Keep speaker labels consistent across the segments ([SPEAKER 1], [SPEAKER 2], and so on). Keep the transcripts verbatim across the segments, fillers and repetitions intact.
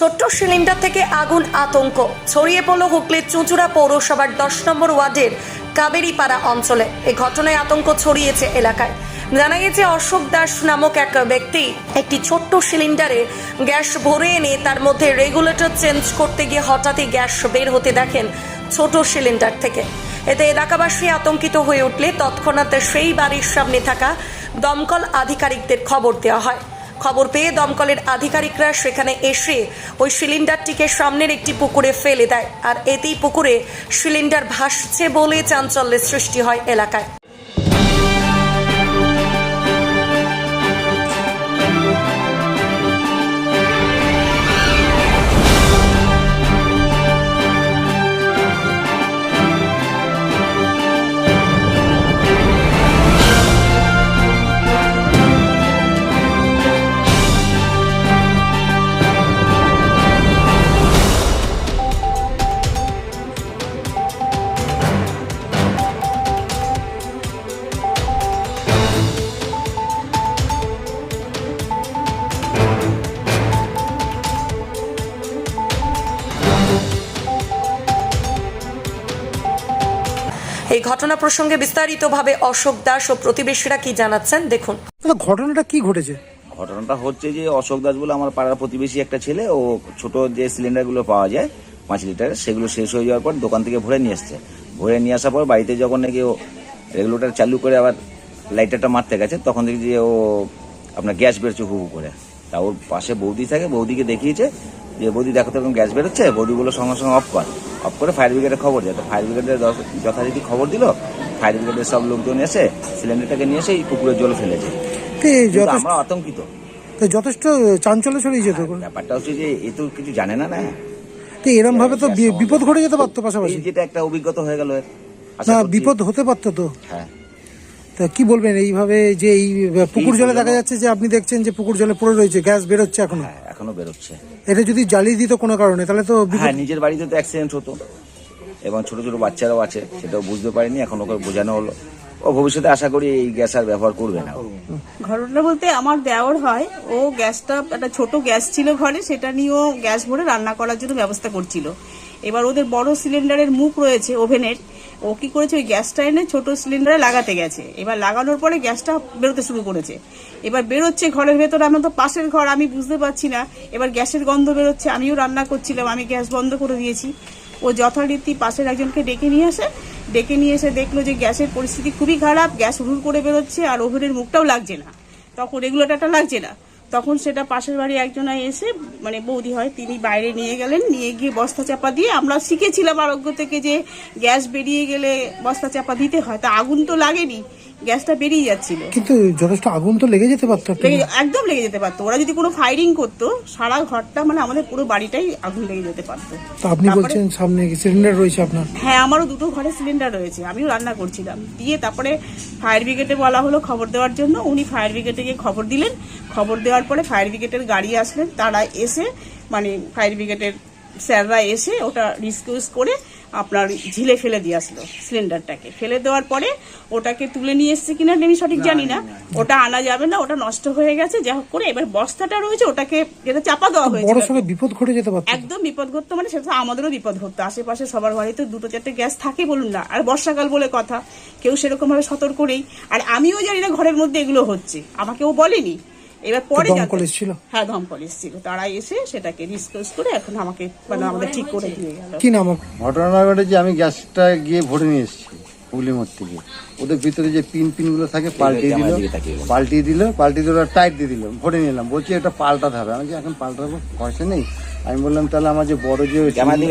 [SPEAKER 1] ছোট্ট সিলিন্ডার থেকে আগুন, আতঙ্ক ছড়িয়ে পড়ল হুগলির চুঁচুড়া পৌরসভার দশ নম্বর ওয়ার্ডের কাবেরীপাড়া অঞ্চলে। এই ঘটনায় আতঙ্ক ছড়িয়েছে এলাকায়। জানা গেছে অশোক দাস নামক এক ব্যক্তি একটি ছোট্ট সিলিন্ডারে গ্যাস ভরে এনে তার মধ্যে রেগুলেটর চেঞ্জ করতে গিয়ে হঠাৎই গ্যাস বের হতে দেখেন ছোট সিলিন্ডার থেকে। এতে এলাকাবাসী আতঙ্কিত হয়ে উঠলে তৎক্ষণাৎ সেই বাড়ির সামনে থাকা দমকল আধিকারিকদের খবর দেওয়া হয়। খবর পেয়ে দমকলের আধিকারিকরা সেখানে এসে ওই সিলিন্ডারটিকে সামনের একটি পুকুরে ফেলে দেয়, আর এতেই পুকুরে সিলিন্ডার ভাসছে বলে চাঞ্চল্যের সৃষ্টি হয় এলাকায়। এই ঘটনা প্রসঙ্গে বিস্তারিতভাবে অশোক দাস ও প্রতিবেশীরা কি জানাচ্ছেন দেখুন।
[SPEAKER 2] ঘটনাটা কি ঘটেছে?
[SPEAKER 3] ঘটনাটা হচ্ছে যে অশোক দাস বলে আমার পাড়ার প্রতিবেশী একটা ছেলে, ও ছোট যে সিলিন্ডারগুলো পাওয়া যায় পাঁচ লিটারের, সেগুলো শেষ হয়ে যাওয়ার পর দোকান থেকে ভরে নিয়ে আসছে। ভরে নিয়ে আসার পর বাড়িতে যখন নাকি ও রেগুলেটর চালু করে আবার লাইটারটা মারতে গেছে, তখন দেখি যে ও আপনার গ্যাস বেরোচ্ছে হু হু করে। তা ওর পাশে বৌদি থাকে, বৌদিকে দেখিয়েছে যে বৌদি দেখো তো এরকম গ্যাস বেরোচ্ছে। বৌদিগুলো সঙ্গে সঙ্গে অফ কর অফ করে ফায়ার ব্রিগেডে খবর দেয়। তো ফায়ার ব্রিগেডের যথারীতি খবর দিল। ফায়ার ব্রিগেডের সব লোকজন এসে সিলিন্ডারটাকে নিয়ে এসে এই পুকুরে জল ফেলেছে। আমরা আতঙ্কিত,
[SPEAKER 2] যথেষ্ট চাঞ্চল্য ছড়িয়েছে। তো
[SPEAKER 3] ব্যাপারটা হচ্ছে যে এ তো কিছু জানে না, না
[SPEAKER 2] এরকম ভাবে তো বিপদ ঘটে যেতে পারতো। পাশাপাশি
[SPEAKER 3] যেটা একটা অভিজ্ঞতা হয়ে গেল,
[SPEAKER 2] না বিপদ হতে পারতো তো।
[SPEAKER 3] হ্যাঁ,
[SPEAKER 2] তা কি বলবেন এইভাবে যে এই পুকুর জলে দেখা যাচ্ছে যে আপনি দেখছেন যে পুকুর জলে পড়ে রয়েছে, গ্যাস বেরোচ্ছে এখনো
[SPEAKER 3] এখনো বেরোচ্ছে।
[SPEAKER 2] এটা যদি জ্বালিয়ে দিত কোনো কারণে তাহলে তো
[SPEAKER 3] হ্যাঁ, নিজের বাড়িতে তো অ্যাক্সিডেন্ট হতো এবং ছোট ছোট বাচ্চারাও আছে, সেটাও বুঝতে পারিনি। এখন ওকে বোঝানো হলো, ও ভবিষ্যতে আশা করি এই গ্যাস আর ব্যবহার করবে না।
[SPEAKER 4] ঘটনা বলতে আমার দেওর হয়, ও গ্যাসটা একটা ছোট গ্যাস ছিল ঘরে, সেটা নিয়ে ও গ্যাস ভরে রান্না করার জন্য ব্যবস্থা করছিল। এবার ওদের বড় সিলিন্ডারের মুখ রয়েছে ওভেনের, ও কি করেছে ওই গ্যাসটা এনে ছোট সিলিন্ডারে লাগাতে গেছে। এবার লাগানোর পরে গ্যাসটা বেরোতে শুরু করেছে। এবার বেরোচ্ছে ঘরের ভেতর, আমরা তো পাশের ঘর, আমি বুঝতে পারছি না। এবার গ্যাসের গন্ধ বেরোচ্ছে, আমিও রান্না করছিলাম, আমি গ্যাস বন্ধ করে দিয়েছি। ও যথারীতি পাশের একজনকে ডেকে নিয়ে আসে, ডেকে নিয়ে এসে দেখলো যে গ্যাসের পরিস্থিতি খুবই খারাপ, গ্যাস হুড় করে বেরোচ্ছে আর ওভেনের মুখটাও লাগছে না, তখন রেগুলেটরটা লাগছে না। তখন সেটা পাশের বাড়ি একজনা এসে, মানে বৌদি হয়, তিনি বাইরে নিয়ে গেলেন, নিয়ে গিয়ে বস্তা চাপা দিয়ে, আমরা শিখেছিলাম আরোগ্য থেকে যে গ্যাস বেরিয়ে গেলে বস্তা চাপা দিতে হয়, তা আগুন তো লাগেনি, গ্যাসটা বেরিয়ে যাচ্ছিল।
[SPEAKER 2] কিন্তু যথেষ্ট আগুন তো লেগে যেতে পারতো,
[SPEAKER 4] একদম লেগে যেতে পারতো। ওরা যদি কোনো ফায়ারিং করতো, সারা ঘরটা মানে আমাদের পুরো বাড়িটাই আগুন লেগে যেতে পারতো।
[SPEAKER 2] তো আপনি বলছেন সামনে সিলিন্ডার রয়েছে আপনার?
[SPEAKER 4] হ্যাঁ, আমারও দুটো ঘরে সিলিন্ডার রয়েছে, আমিও রান্না করছিলাম। দিয়ে তারপরে ফায়ার ব্রিগেডে বলা হলো খবর দেওয়ার জন্য, উনি ফায়ার ব্রিগেডে গিয়ে খবর দিলেন। খবর দেওয়ার পরে ফায়ার ব্রিগেডের গাড়ি আসলেন, তারা এসে মানে ফায়ার ব্রিগেডের স্যাররা এসে ওটা রিসকিউজ করে আপনার ঝিলে ফেলে দিয়ে আসলো সিলিন্ডারটাকে। ফেলে দেওয়ার পরে ওটাকে তুলে নিয়ে এসছে কিনা আমি সঠিক জানি না, ওটা আনা যাবে না, ওটা নষ্ট হয়ে গেছে। যা হোক করে এবার বস্তাটা রয়েছে, ওটাকে যেটা চাপা দেওয়া হয়েছে,
[SPEAKER 2] বড় সড়ো বিপদ ঘটে যেতে পারতো।
[SPEAKER 4] একদম বিপদ ঘটতো, মানে সেটা আমাদেরও বিপদ ঘটতো। আশেপাশে সবার বাড়িতে দুটো চারটে গ্যাস থাকে বলুন না, আর বর্ষাকাল বলে কথা, কেউ সেরকম ভাবে সতর্ক নেই। আর আমিও জানি না ঘরের মধ্যে এগুলো হচ্ছে, আমাকেও বলেনি। এবার পরে
[SPEAKER 2] ছিল,
[SPEAKER 4] হ্যাঁ দমকল এসেছিল, তারা এসে সেটাকে রিসকিউজ করে এখন আমাকে মানে আমাদের ঠিক করে দিয়ে গেল।
[SPEAKER 2] কি নাম?
[SPEAKER 5] ঘটনা ঘটেছে আমি গ্যাসটা গিয়ে ভরে নিয়ে এসেছি হুগলি মোড় থেকে। ওদের ভিতরে যে পিন পিন গুলো থাকে পাল্টিয়ে দিল, পাল্টিয়ে দিল পাল্টিয়ে দিল টাইট দিয়ে দিল, ভরে নিলাম। বলছি এটা পাল্টাতে হবে। আমি এখন পাল্টাবো, পয়সা নেই। আমি বললাম তাহলে আমার যে বড় যে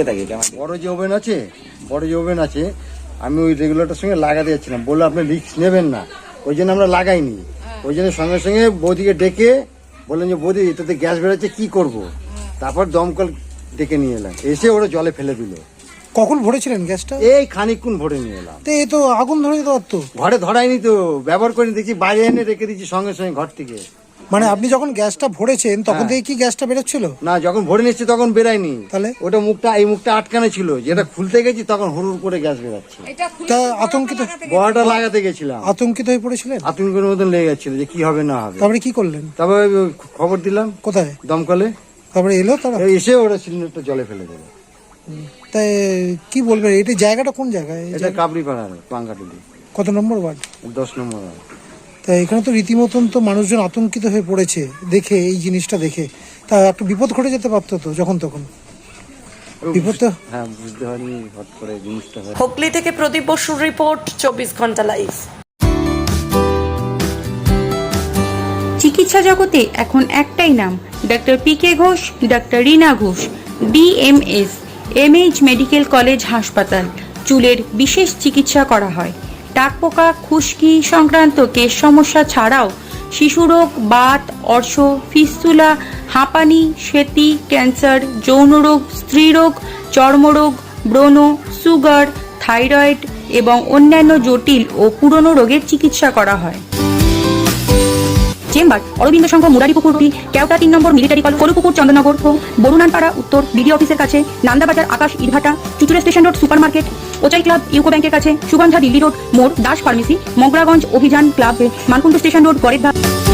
[SPEAKER 5] বড় যে ওভেন আছে, বড় যে ওভেন আছে, আমি ওই রেগুলেটরের সঙ্গে লাগাতে যাচ্ছিলাম। বললো আপনি রিস্ক নেবেন না, ওই জন্য আমরা লাগাইনি। ওই জন্য সঙ্গে সঙ্গে বৌদিকে ডেকে বললেন যে বৌদি এটাতে গ্যাস বেরোচ্ছে, কি করব? তারপর দমকল ডেকে নিয়ে এলাম, এসে ওরা জলে ফেলে দিল।
[SPEAKER 2] কখন ভরেছিলেন গ্যাসটা?
[SPEAKER 5] এই খানিকক্ষণ ভরে নিয়ে এলাম।
[SPEAKER 2] তো এই তো আগুন ধরে যেতে পারতো।
[SPEAKER 5] ঘরে ধরাইনি তো, ব্যবহার করে দেখছি বাইরে এনে রেখে দিচ্ছি সঙ্গে সঙ্গে ঘর থেকে।
[SPEAKER 2] মানে আপনি যখন গ্যাসটা ভরেছেন তখন থেকে কি গ্যাসটা বেরোচ্ছিল?
[SPEAKER 5] না, যখন ভরে নিচ্ছি তখন বেরায়নি।
[SPEAKER 2] তাহলে
[SPEAKER 5] ওটা মুখটা এই মুখটা আটকানো ছিল, যেটা খুলতে গেছি তখন হুড় করে গ্যাস বেরাচ্ছে।
[SPEAKER 2] তা আতঙ্কিত,
[SPEAKER 5] বড়টা লাগাতে গেছিলাম,
[SPEAKER 2] আতঙ্কিত হয়ে পড়েছিলেন?
[SPEAKER 5] আতঙ্কের মতন লেগে যাচ্ছিল যে কি হবে না হবে।
[SPEAKER 2] তারপরে কি করলেন?
[SPEAKER 5] তারপরে খবর দিলাম।
[SPEAKER 2] কোথায়?
[SPEAKER 5] দমকলে।
[SPEAKER 2] তারপরে এলো তারা?
[SPEAKER 5] এই এসে ওরা সিলিন্ডারটা জলে ফেলে দেবে।
[SPEAKER 2] তাই কি বলবেন, এটা জায়গাটা কোন জায়গায়? এই
[SPEAKER 5] এটা
[SPEAKER 2] জায়গা-
[SPEAKER 5] কাবলি পাড়ার পাঙ্গাটুলি
[SPEAKER 2] কত নম্বর ওয়ার্ড?
[SPEAKER 5] দশ নম্বর ওয়ার্ড।
[SPEAKER 2] তা এখানে তো রীতিমতন তো মানুষজন আতঙ্কিত হয়ে পড়েছে দেখে, এই জিনিসটা দেখে। তা একটা বিপদ ঘটে যেতে পারতো তো যখন তখন। বিপদ তো
[SPEAKER 5] হ্যাঁ, বুঝতে পারিনি হট করে জিনিসটা হয়।
[SPEAKER 1] হুগলি থেকে প্রদীপ বসুর রিপোর্ট, চব্বিশ ঘন্টা লাইভ।
[SPEAKER 6] চিকিৎসা জগতে এখন একটাই নাম, doctor P K Ghosh, doctor Rina Ghosh, DMS, MH medical college হাসপাতাল। চুলের বিশেষ চিকিৎসা করা হয়। টাকপোকা, খুশকি সংক্রান্ত কেশ সমস্যা ছাড়াও শিশুরোগ, বাত, অর্শ, ফিস্তুলা, হাঁপানি, শ্বেতি, ক্যান্সার, যৌনরোগ, স্ত্রীরোগ, চর্মরোগ, ব্রণ, সুগার, থাইরয়েড এবং অন্যান্য জটিল ও পুরনো রোগের চিকিৎসা করা হয়। চেম্বার অরবিন্দ সংঘ, মুরারিপুকুর, কেওটা তিন নম্বর মিলিটারি কলেজ, কলুপুকুর, চন্দননগর, বরুণানপাড়া উত্তর, বিডি অফিসের কাছে, নান্দাবাজার, আকাশ, ইটভাটা, Chuchura station road, super market, ওচাই ক্লাব, ইউকো ব্যাংকের কাছে, সুগন্ধা দিল্লি রোড, মোড়, দাস ফার্মেসি, মগরাগঞ্জ, অভিযান ক্লাব, মানকুণ্ড স্টেশন রোড, গড়ের ধাপ।